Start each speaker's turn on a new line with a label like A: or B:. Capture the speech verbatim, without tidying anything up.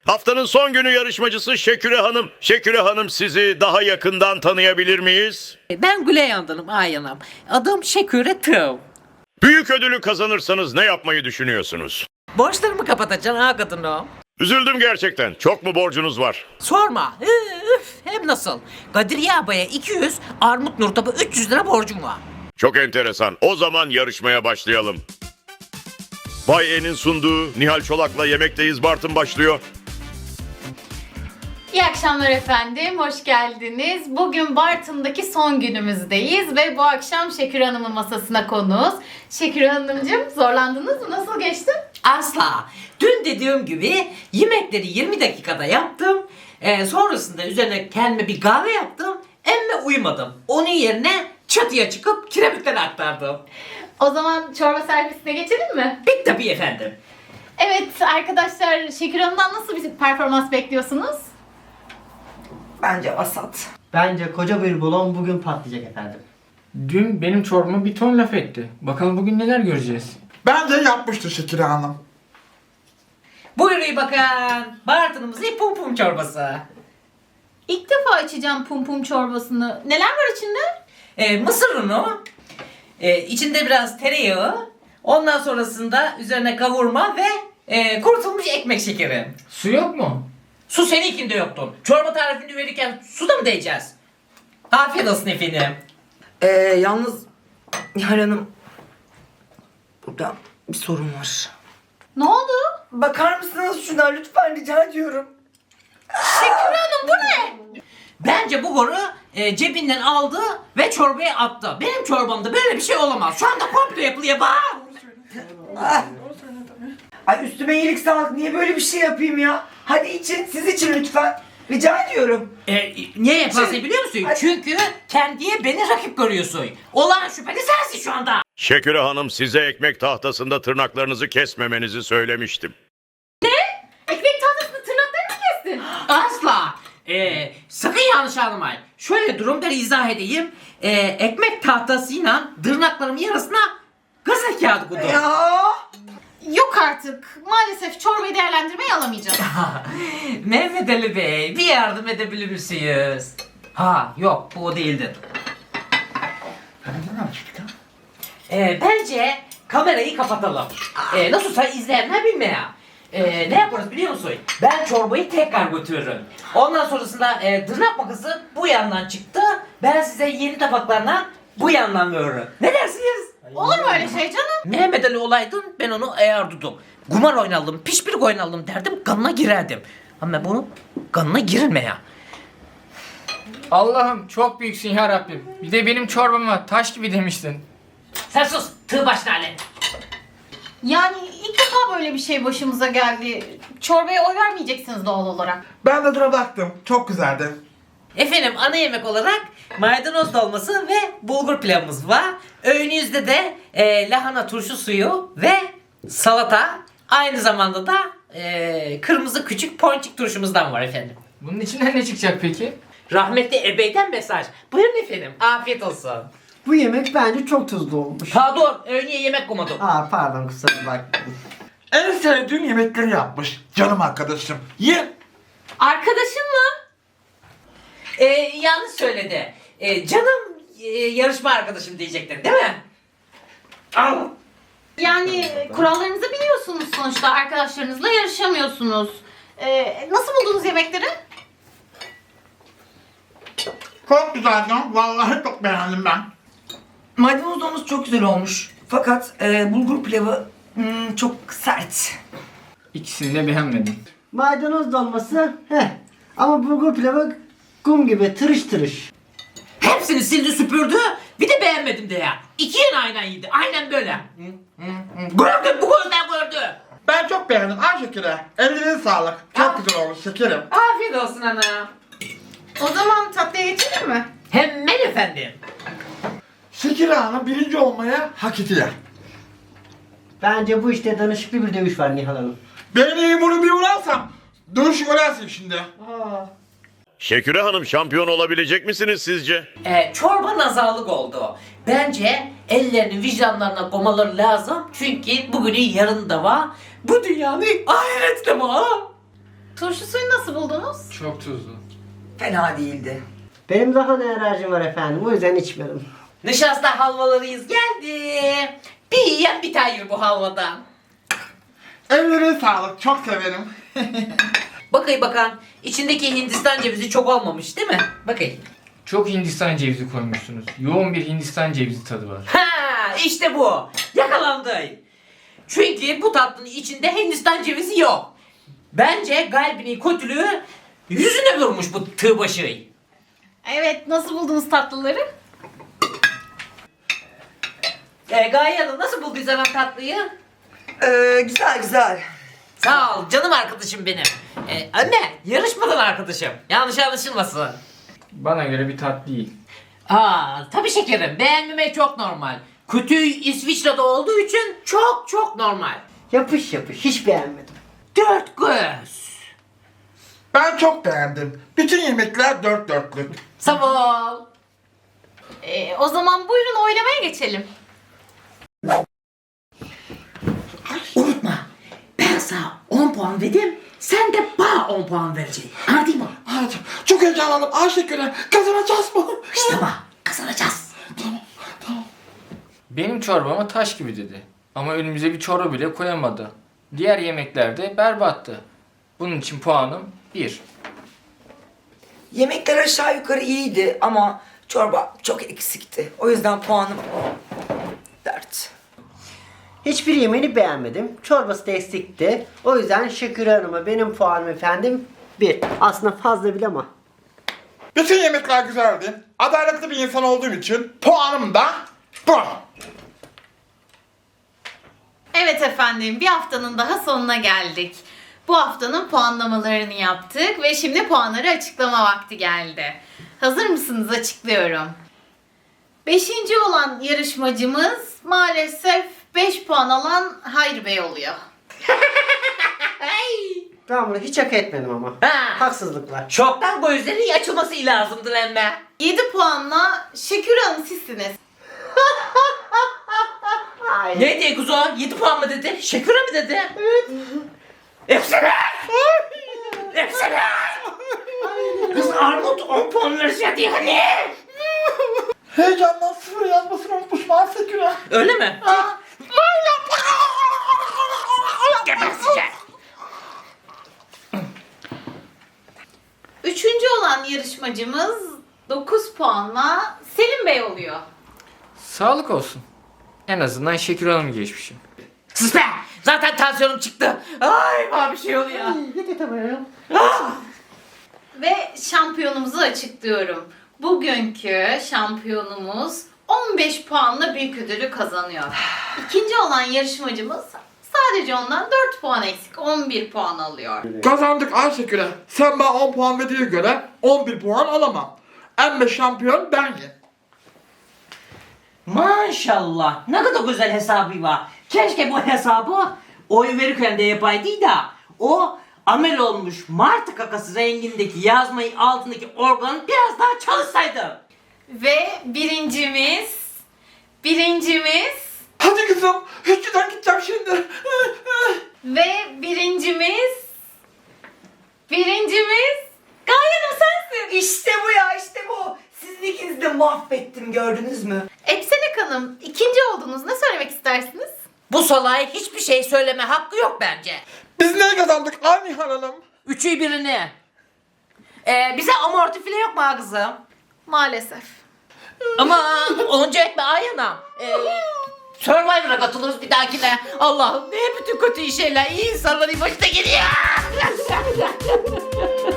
A: Haftanın son günü yarışmacısı Şeküre Hanım. Şeküre Hanım, sizi daha yakından tanıyabilir miyiz?
B: Ben Güley Hanım, Ayhan'ım. Adım Şeküre Tığ.
A: Büyük ödülü kazanırsanız ne yapmayı düşünüyorsunuz?
B: Borçlarımı kapatacaksın ha kadınım.
A: Üzüldüm gerçekten. Çok mu borcunuz var?
B: Sorma. Üf, hem nasıl? Kadriye abaya iki yüz, Armut Nurtap'a üç yüz lira borcum var.
A: Çok enteresan. O zaman yarışmaya başlayalım. Bay E'nin sunduğu Nihal Çolak'la Yemekteyiz Bartın başlıyor.
C: İyi akşamlar efendim, hoş geldiniz. Bugün Bartın'daki son günümüzdeyiz ve bu akşam Şeküre Hanım'ın masasına konuğuz. Şeküre Hanımcığım, zorlandınız mı? Nasıl geçti?
B: Asla. Dün dediğim gibi yemekleri yirmi dakikada yaptım. Ee, sonrasında üzerine kendime bir kahve yaptım. Emme uyumadım. Onun yerine çatıya çıkıp kiremitleri aktardım.
C: O zaman çorba servisine geçelim mi?
B: Pek tabii efendim.
C: Evet arkadaşlar, Şeküre Hanım'dan nasıl bir performans bekliyorsunuz?
B: Bence vasat.
D: Bence koca bir balon bugün patlayacak efendim.
E: Dün benim çorbama bir ton laf etti. Bakalım bugün neler göreceğiz.
F: Bence yapmıştır Şeküre Hanım.
B: Buyurun bakın. Bartın'ımızın pum pum çorbası.
C: İlk defa içeceğim pum pum çorbasını. Neler var içinde?
B: Ee, mısır unu. Ee, içinde biraz tereyağı. Ondan sonrasında üzerine kavurma ve e, kurutulmuş ekmek şekeri.
E: Su yok mu?
B: Su seninkinde yoktu. Çorba tarifini verirken su da mı diyeceğiz? Afiyet olsun efendim.
G: Ee, yalnız Nihal Hanım, burada bir sorun var.
C: Ne oldu?
G: Bakar mısınız şuna lütfen, rica ediyorum.
C: Şeküre Hanım bu ne?
B: Bence bu goru e, cebinden aldı ve çorbaya attı. Benim çorbamda böyle bir şey olamaz. Şu anda komplo yapılıyor bak.
G: Ah. Ay üstüme iyilik sağlık, niye böyle bir şey yapayım ya? Hadi için, siz için lütfen. Rica ediyorum.
B: E, niye yaparsın
G: Şey-
B: biliyor musun?
G: Hadi.
B: Çünkü kendiye beni rakip görüyorsun. Olan şüpheli sensin şu anda.
A: Şeküre Hanım, size ekmek tahtasında tırnaklarınızı kesmemenizi söylemiştim.
C: Ekmek tahtasını tırnaklarını mı kestin?
B: Asla. Ee, sakın yanlış anlamayın. Şöyle durumları izah edeyim. Ee, ekmek tahtasıyla tırnaklarımın yarısına gazete kağıdı koydum.
G: Ya.
C: Yok artık. Maalesef çorbayı değerlendirmeye alamayacağım.
B: Mehmet Ali Bey, bir yardım edebilir misiniz? Ha, yok bu o değildi. Ee, bence kamerayı kapatalım. Ee, nasılsa izleyenler bilmiyor. Ee, ne yaparız biliyor musun? Ben çorbayı tekrar götürürüm. Ondan sonrasında e, tırnak makası bu yandan çıktı. Ben size yeni tabaklarla bu yandan veririm. Ne dersiniz?
C: Olur mu öyle şey canım?
B: Mehmet Ali olaydın ben onu eğerdudum. Kumar oynalım, pişpirik oynalım derdim, kanına girerdim. Ama bunu kanına girilme ya.
E: Allah'ım çok büyüksün ya Rabbim. Bir de benim çorbama taş gibi demiştin.
B: Sen sus, tığ başına Ali.
C: Yani ilk defa böyle bir şey başımıza geldi. Çorbaya oy vermeyeceksiniz doğal olarak.
F: Ben de dura baktım. Çok güzeldi.
B: Efendim ana yemek olarak maydanoz dolması ve bulgur pilavımız var. Öğünüzde de e, lahana turşu suyu ve salata. Aynı zamanda da e, kırmızı küçük ponçik turşumuzdan var efendim.
E: Bunun içinden ne çıkacak peki?
B: Rahmetli ebeyden mesaj. Buyurun efendim, afiyet olsun.
D: Bu yemek bence çok tuzlu olmuş.
B: Pardon, öğünye yemek koymadım.
D: Aa pardon, kusura bakmayın.
F: En sevdiğim yemekleri yapmış. Canım arkadaşım. Ye.
C: Arkadaşın mı?
B: E, yanlış söyledi. E, canım e, yarışma arkadaşım diyecektin değil mi? Al.
C: Yani kurallarınızı biliyorsunuz sonuçta. Arkadaşlarınızla yarışamıyorsunuz. Ee, nasıl buldunuz yemekleri?
F: Çok güzeldi. Vallahi çok beğendim ben.
G: Maydanoz dolması çok güzel olmuş. Fakat e, bulgur pilavı hmm, çok sert.
E: İkisini de beğenmedim.
D: Maydanoz dolması heh. Ama bulgur pilavı kum gibi tırış tırış.
B: Hepsini sildi süpürdü. Bir de beğenmedim de ya. İki yan aynen yedi. Aynen böyle. Gördüm bu gözden gördü.
F: Ben çok beğendim. Ay Şeküre. Ellerine sağlık. Çok güzel olmuş şekerim.
B: Afiyet olsun ana.
C: O zaman tatlıya geçelim mi?
B: Hemen efendim.
F: Şeküre Hanım birinci olmaya hak ediyor.
D: Bence bu işte danışıklı bir dövüş var Nihal Hanım.
F: Ben iyi bunu bir vurarsam. Dövüş göresin şimdi.
A: Şeküre Hanım, şampiyon olabilecek misiniz sizce?
B: Ee, çorba nazarlık oldu. Bence ellerini vicdanlarına koymaları lazım. Çünkü bugünün yarın da var. Bu dünyanın ahireti de var.
C: Turşu suyu nasıl buldunuz?
E: Çok tuzlu.
G: Fena değildi.
D: Benim daha ne alerjim var efendim. O yüzden içmedim.
B: Nişasta halvalarıyız geldi. Bir yiyen bir tane bu halvadan.
F: Ellerine sağlık. Çok severim.
B: Bakayım bakan. İçindeki Hindistan cevizi çok olmamış değil mi? Bakayım.
E: Çok Hindistan cevizi koymuşsunuz. Yoğun bir Hindistan cevizi tadı var.
B: Ha işte bu. Yakalandı. Çünkü bu tatlının içinde Hindistan cevizi yok. Bence kalbinin kötülüğü yüzüne vurmuş bu tığ başı.
C: Evet, nasıl buldunuz tatlıları?
B: Ee, Gaye Hanım nasıl bulduysan tatlıyı?
G: Ee, güzel güzel.
B: Sağ ol canım arkadaşım benim. Ee, anne yarışmadan arkadaşım. Yanlış anlaşılmasın.
E: Bana göre bir tat değil.
B: Aa tabii şekerim beğenmemek çok normal. Kötü İsviçre'de olduğu için çok çok normal.
D: Yapış yapış. Hiç beğenmedim.
B: Dört göz.
F: Ben çok beğendim. Bütün yemekler dört dörtlük.
B: Sağ ol.
C: Ee, o zaman buyurun oylamaya geçelim.
B: Unutma ben sana on puan verdim. Sen de bana on puan vereceksin. Anladın mı?
F: Hadi. Çok heyecanlandım. Ayşegül'e kazanacağız mı?
B: İşte bak kazanacağız.
E: Benim çorbama taş gibi dedi. Ama önümüze bir çorba bile koyamadı. Diğer yemeklerde berbattı. Bunun için puanım bir.
G: Yemekler aşağı yukarı iyiydi ama çorba çok eksikti. O yüzden puanım dört.
D: Hiçbir yemeğini beğenmedim. Çorbası da eksikti. O yüzden Şükür Hanım'a benim puanım efendim bir. Aslında fazla bile ama.
F: Bütün yemekler güzeldi. Adaletli bir insan olduğum için puanım da bu.
C: Evet efendim, bir haftanın daha sonuna geldik. Bu haftanın puanlamalarını yaptık ve şimdi puanları açıklama vakti geldi. Hazır mısınız? Açıklıyorum. Beşinci olan yarışmacımız maalesef beş puan alan Hayri Bey oluyor.
D: Ben bunu hiç hak etmedim ama.
B: Ha.
D: Haksızlık var.
B: Çoktan gözlerin açılması lazımdır emme.
C: yedi puanla Şekür Hanım sizsiniz.
D: Ay.
B: Ne diye kuzu? yedi puan mı dedi? Şekür'e mi dedi? Evet. Efsane! Efsane! Kız Armut on puan verecek diye hani.
F: Heyecandan sıfır yazmasını unutmuşum Ayşegül'e.
B: Öyle mi? Geberseceğim.
C: Üçüncü olan yarışmacımız dokuz puanla Selim Bey oluyor.
E: Sağlık olsun. En azından Şekür Hanım'ı geçmişim.
B: Sus be! Zaten tansiyonum çıktı. Ay bana bir şey oluyor. Ah!
C: Ve şampiyonumuzu açıklıyorum. Bugünkü şampiyonumuz on beş puanla büyük ödülü kazanıyor. İkinci olan yarışmacımız sadece ondan dört puan eksik, on bir puan alıyor.
F: Kazandık Ayşegül'e. Sen bana on puan verdiğine göre on bir puan alamam. Emme şampiyon benim.
B: Maşallah. Ne kadar güzel hesabı var. Keşke bu hesabı oy verirken de yapaydı da o amel olmuş martı kakası rengindeki yazmayı altındaki organı biraz daha çalışsaydı.
C: Ve birincimiz, birincimiz
F: Hadi kızım. Hücreden gideceğim şimdi.
C: ve birincimiz, birincimiz Gaye Hanım sensin.
G: İşte bu ya işte bu. Sizin ikinizi de mahvettim gördünüz mü?
C: Eksenek Hanım ikinci oldunuz. Ne söylemek istersiniz?
B: Bu salaya hiçbir şey söyleme hakkı yok bence.
F: Biz ne kazandık Ay Nihal Hanım?
B: Üçü birini. Ee, bize amorti file yok mu ha kızım?
C: Maalesef.
B: Ama onca etme Ayana. Ee, Survivor'a katılırız bir dahakine. Allah'ım ne bütün kötü şeyler iyi insanların başına geliyor.